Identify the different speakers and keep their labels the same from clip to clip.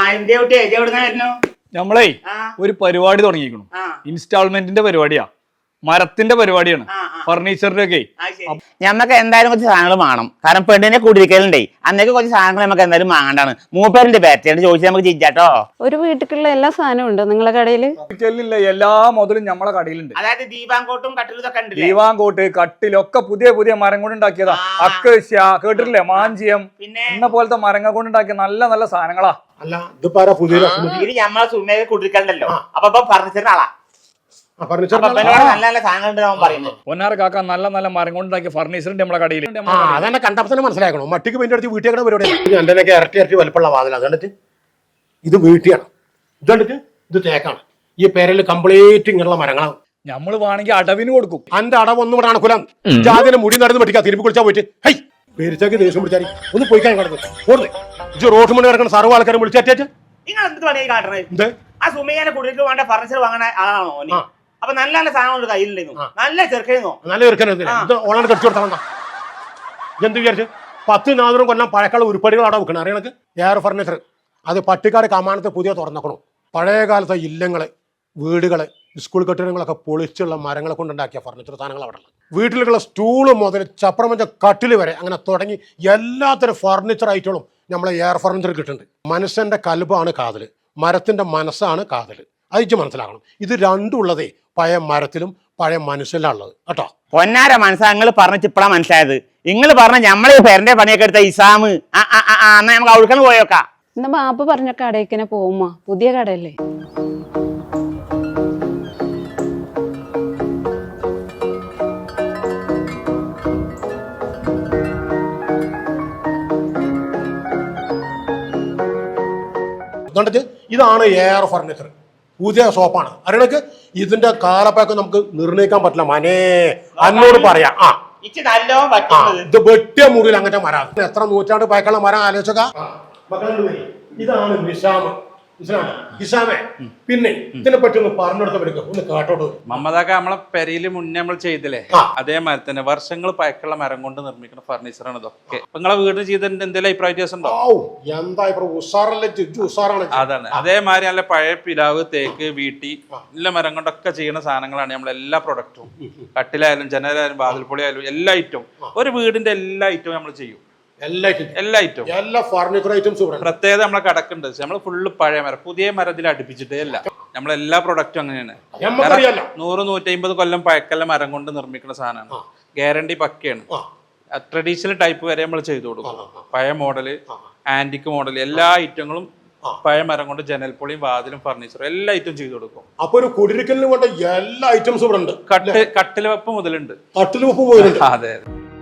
Speaker 1: നമ്മളേ ഒരു പരിപാടി തുടങ്ങിയിരിക്കണം. ഇൻസ്റ്റാൾമെന്റിന്റെ പരിപാടിയാ, മരത്തിന്റെ പരിപാടിയാണ്, ഫർണിച്ചറിന്റെ ഒക്കെ.
Speaker 2: ഞമ്മക്ക് എന്തായാലും കുറച്ച് സാധനങ്ങൾ വേണം. കാരണം പെണ്ണിനെ കൂടിയിരിക്കലുണ്ടേ, അന്നേക്ക് കുറച്ച് സാധനങ്ങൾ നമുക്ക് എന്തായാലും വാങ്ങണ്ടാണ്. മൂപ്പേരിന്റെ ബാറ്ററി ചോദിച്ചാൽ നമുക്ക് ചിഞ്ചാട്ടോ.
Speaker 3: ഒരു വീട്ടിലുള്ള എല്ലാ സാധനവും ഉണ്ട് നിങ്ങളെ കടയില്?
Speaker 1: എല്ലാ മുതലും നമ്മളെ കടയിലുണ്ട്.
Speaker 2: അതായത് ദീപാങ്കോട്ടും കട്ടിലൊക്കെ ഉണ്ട്.
Speaker 1: ദീപാങ്കോട്ട് കട്ടിലൊക്കെ പുതിയ പുതിയ മരം കൊണ്ട് ഉണ്ടാക്കിയതാ. അക്കേഷ്യ കേട്ടിട്ടില്ലേ, മാഞ്ചിയം എന്ന പോലത്തെ മരങ്ങൾ കൊണ്ട് ഉണ്ടാക്കിയ നല്ല നല്ല സാധനങ്ങളാ.
Speaker 4: അല്ല ഇത് പുതിയ
Speaker 2: നമ്മളെ സുമേഖ കൂടിയിരിക്കലുണ്ടല്ലോ. അപ്പൊ ഫർണിച്ചറിന്റെ ആളാ.
Speaker 1: പൊന്നാറ കാക്ക നല്ല നല്ല മരം കൊണ്ടുണ്ടാക്കിയ ഫർണിച്ചറിന്റെ നമ്മളെ കടയിൽ.
Speaker 4: അതന്നെ കണ്ടപ്പോ തന്നെ മനസ്സിലാക്കണം. മട്ടിക്ക് പെയിന്റ് അടിച്ച് വീട്ടിൽ പരിപാടി എന്റെ ഇരട്ടി വലുപ്പമുള്ള വാതിൽ. അത് കണ്ടിട്ട് ഇത് വീട്ടിയാണ്, ഇത് കണ്ടിട്ട് ഇത് തേക്കാണ്. ഈ പേരിൽ കംപ്ലീറ്റ് ഇങ്ങനെയുള്ള മരങ്ങളാണ്.
Speaker 1: നമ്മൾ വേണമെങ്കിൽ അടവിന് കൊടുക്കും.
Speaker 4: അന്റെ അടവൊന്നും ഇവിടെ അണക്കുലാം. ജാതിനെ മുടി നടന്ന് പറ്റിക്കാ തിരുമ്പി കുളിച്ചാൽ പോയിട്ട് ഹൈ പേരിച്ചാക്കി ദേഷ്യം പിടിച്ചാൽ ഒന്ന് പോയി കഴിഞ്ഞു ഓടുന്നത്. ഇത് റോഡ് മണി കിടക്കുന്ന സർവ്വ ആൾക്കാരും വിളിച്ചേറ്റ
Speaker 2: നിങ്ങൾ എന്ത് പണി കാട്ടണത്? ആ സുമേഖനെ കുടിയിട്ട് വേണ്ട ഫർണിച്ചർ വാങ്ങണ ആളാണോ? അപ്പൊ നല്ല നല്ല സാധനങ്ങൾ കയ്യിലുണ്ടായിരുന്നു. നല്ല ചെറുക്കനോ,
Speaker 4: നല്ല ചെറുക്കനോ ഓളാണ് കടിച്ചു കൊടുത്താൽ എന്ത് വിചാരിച്ചു? 10-400 കൊല്ലം പഴക്കള ഉരുപ്പടികൾ അവിടെ വെക്കണം. അറിയണക്ക് എയർ ഫർണിച്ചർ അത് പട്ടിക്കാട് കമാനത്ത് പുതിയ തുറന്നേക്കണു. പഴയ കാലത്തെ ഇല്ലങ്ങള്, വീടുകള്, സ്കൂൾ കെട്ടിടങ്ങളൊക്കെ പൊളിച്ചുള്ള മരങ്ങളെ കൊണ്ടുണ്ടാക്കിയ ഫർണിച്ചർ സാധനങ്ങൾ അവിടെ ഉള്ളത്. വീട്ടിലേക്കുള്ള സ്റ്റൂള് മുതൽ ചപ്രമഞ്ച കട്ടിൽ വരെ അങ്ങനെ തുടങ്ങി എല്ലാത്തരം ഫർണിച്ചർ ഐറ്റങ്ങളും നമ്മളെ എയർ ഫർണിച്ചർ കിട്ടുന്നുണ്ട്. മനുഷ്യന്റെ കൽബാണ് കാതല്, മരത്തിന്റെ മനസ്സാണ് കാതല്. അതിച്ച് മനസ്സിലാക്കണം. ഇത് രണ്ടും ഉള്ളതേ പഴയ മരത്തിലും പഴയ മനുഷ്യനിലാണ് ഉള്ളത് കേട്ടോ.
Speaker 2: പൊന്നാര മനസ്സാ നിങ്ങൾ പറഞ്ഞിട്ട് ഇപ്പഴാ മനസ്സിലായത്. നിങ്ങൾ പറഞ്ഞ നമ്മളെ പേരന്റെ പണിയൊക്കെ എടുത്ത ഇസാമ് എന്നാ നമുക്ക് അവിടുന്ന് പോയോക്കാം.
Speaker 3: എന്നാ ബാപ്പ പറഞ്ഞ കടയിക്കനെ പോകുമ്പോ പുതിയ കടയല്ലേ?
Speaker 4: ഇതാണ് എയർ ഫർണിച്ചർ, പുതിയ ഷോപ്പാണ്. അറിയണക്ക് ഇതിന്റെ കാലപ്പഴക്കം നമുക്ക് നിർണ്ണയിക്കാൻ പറ്റില്ല. മനേ അന്നോട് പറയാം. ഇത് വെട്ടിയ മുറിയിൽ അങ്ങനത്തെ മരം. എത്ര നൂറ്റാണ്ട് പഴക്കമുള്ള മരം ആലോചിച്ചൊക്കെ. ഇതാണ് നിശാമ്. ഇസാമേ, പിന്നെ ഇതിനെ പറ്റി ഒന്ന് പറഞ്ഞെടുത്തവർക്ക് ഒന്ന് കേട്ടോട്ട്.
Speaker 5: മമ്മദാക്ക നമ്മളെ പെരയില് മുന്നേ നമ്മൾ ചെയ്തില്ലേ, അതേമാതിരി തന്നെ വർഷങ്ങൾ പഴക്കമുള്ള മരം കൊണ്ട് നിർമ്മിക്കുന്ന ഫർണിച്ചറാണ് ഇതൊക്കെ. നിങ്ങളെ വീട്ടിൽ ചെയ്തതിന്റെ എന്തെങ്കിലും അഭിപ്രായ വ്യത്യാസം ഉണ്ടോ? അതാണ്. അതേമാതിരി നല്ല പഴയ പിലാവ്, തേക്ക്, വീട്ടി എല്ലാ മരം കൊണ്ടൊക്കെ ചെയ്യുന്ന സാധനങ്ങളാണ് നമ്മളെ എല്ലാ പ്രൊഡക്റ്റും. കട്ടിലായാലും ജനലായാലും വാതിൽപ്പൊളി ആയാലും എല്ലാ ഐറ്റവും, ഒരു വീടിന്റെ എല്ലാ ഐറ്റവും നമ്മൾ ചെയ്യും. എല്ലാ ഫർണിച്ചർ ഐറ്റംസും പ്രത്യേകത നമ്മളെ കടക്കുണ്ട്. നമ്മൾ ഫുള്ള് പഴയ മരം, പുതിയ മരത്തിൽ അടുപ്പിച്ചിട്ടേ അല്ല. നമ്മളെല്ലാ പ്രൊഡക്റ്റും അങ്ങനെയാണ്. 100-150 കൊല്ലം പഴക്കല്ല മരം കൊണ്ട് നിർമ്മിക്കുന്ന സാധനമാണ്. ഗ്യാരണ്ടി പക്കയാണ്. ട്രഡീഷണൽ ടൈപ്പ് വരെ നമ്മൾ ചെയ്തു കൊടുക്കും. പഴയ മോഡല്, ആന്റിക് മോഡൽ, എല്ലാ ഐറ്റങ്ങളും പഴയ മരം കൊണ്ട് ജനൽപ്പൊളിയും വാതിലും ഫർണിച്ചറും എല്ലാ ഐറ്റം ചെയ്തു കൊടുക്കും.
Speaker 4: അപ്പൊ ഒരു കുടിരിക്കലിന് വേണ്ട എല്ലാ ഐറ്റംസും ഇവിടെ ഉണ്ട്.
Speaker 5: കട്ടിൽ വെപ്പ് മുതലുണ്ട്. അതെ.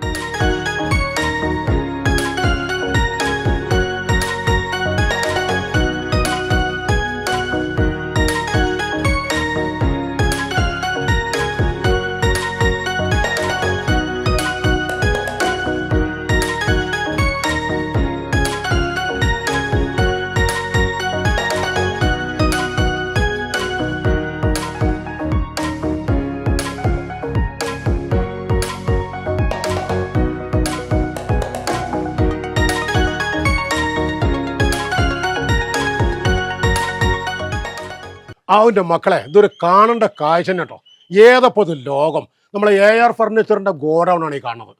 Speaker 4: അവൻ്റെ മക്കളെ, ഇതൊരു കാണേണ്ട കാഴ്ച തന്നെ കേട്ടോ. ഏതപ്പോ ഇത് ലോകം. നമ്മളെ എയർ ഫർണിച്ചറിന്റെ ഗോഡൗൺ ആണ് ഈ കാണുന്നത്.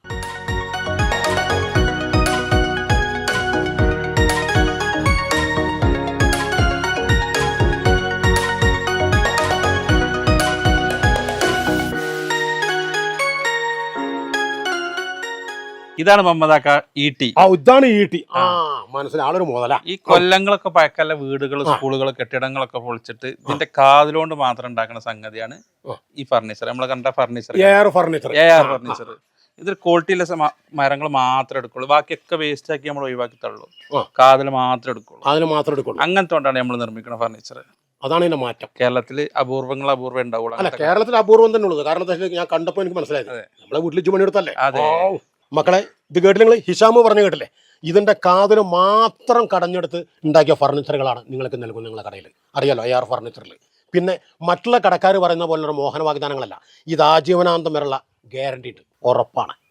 Speaker 5: ഇതാണ് മമ്മദാക്ക ഈട്ടി.
Speaker 4: ഇതാണ് ഈട്ടി. മനസ്സിലായി, ആളൊരു മുതല.
Speaker 5: ഈ കൊല്ലങ്ങളൊക്കെ പഴക്കല്ല വീടുകൾ, സ്കൂളുകൾ, കെട്ടിടങ്ങളൊക്കെ പൊളിച്ചിട്ട് ഇതിന്റെ കാതിലോണ്ട് മാത്രം ഉണ്ടാക്കുന്ന സംഗതിയാണ് ഈ ഫർണിച്ചർ. നമ്മൾ കണ്ട ഫർണിച്ചർ, എയർ ഫർണിച്ചർ. ഇതിൽ ക്വാളിറ്റിയിലെ മരങ്ങൾ മാത്രമേ എടുക്കുള്ളൂ. ബാക്കിയൊക്കെ വേസ്റ്റ് ആക്കി നമ്മൾ ഒഴിവാക്കി തള്ളൂ. കാതിൽ മാത്രമേ എടുക്കുള്ളൂ. അങ്ങനത്തെ കൊണ്ടാണ് നമ്മൾ നിർമ്മിക്കുന്ന ഫർണിച്ചർ.
Speaker 4: അതാണ് ഇതിന്റെ മാറ്റം.
Speaker 5: കേരളത്തിൽ അപൂർവം ഉണ്ടാവുള്ളൂ.
Speaker 4: അല്ല, കേരളത്തിൽ അപൂർവം തന്നെ ഉള്ളത്. കാരണം ഞാൻ കണ്ടപ്പോൾ എനിക്ക് മനസ്സിലായത് നമ്മളെ വീട്ടിൽ പണിയെടുത്തല്ലേ. മക്കളെ, ഇത് കേട്ടില്ല നിങ്ങൾ? ഹിഷാമ് പറഞ്ഞു കേട്ടില്ലേ? ഇതിന്റെ കാതിന് മാത്രം കടഞ്ഞെടുത്ത് ഉണ്ടാക്കിയ ഫർണിച്ചറുകളാണ് നിങ്ങൾക്ക് നൽകുന്നത് നിങ്ങളുടെ കടയിൽ. അറിയാലോ, എയർ ഫർണിച്ചറിൽ. പിന്നെ മറ്റുള്ള കടക്കാർ പറയുന്ന പോലുള്ള മോഹന വാഗ്ദാനങ്ങളല്ല. ഇത് ആജീവനാന്തം വരെയുള്ള ഗ്യാരണ്ടി ഉണ്ട്, ഉറപ്പാണ്.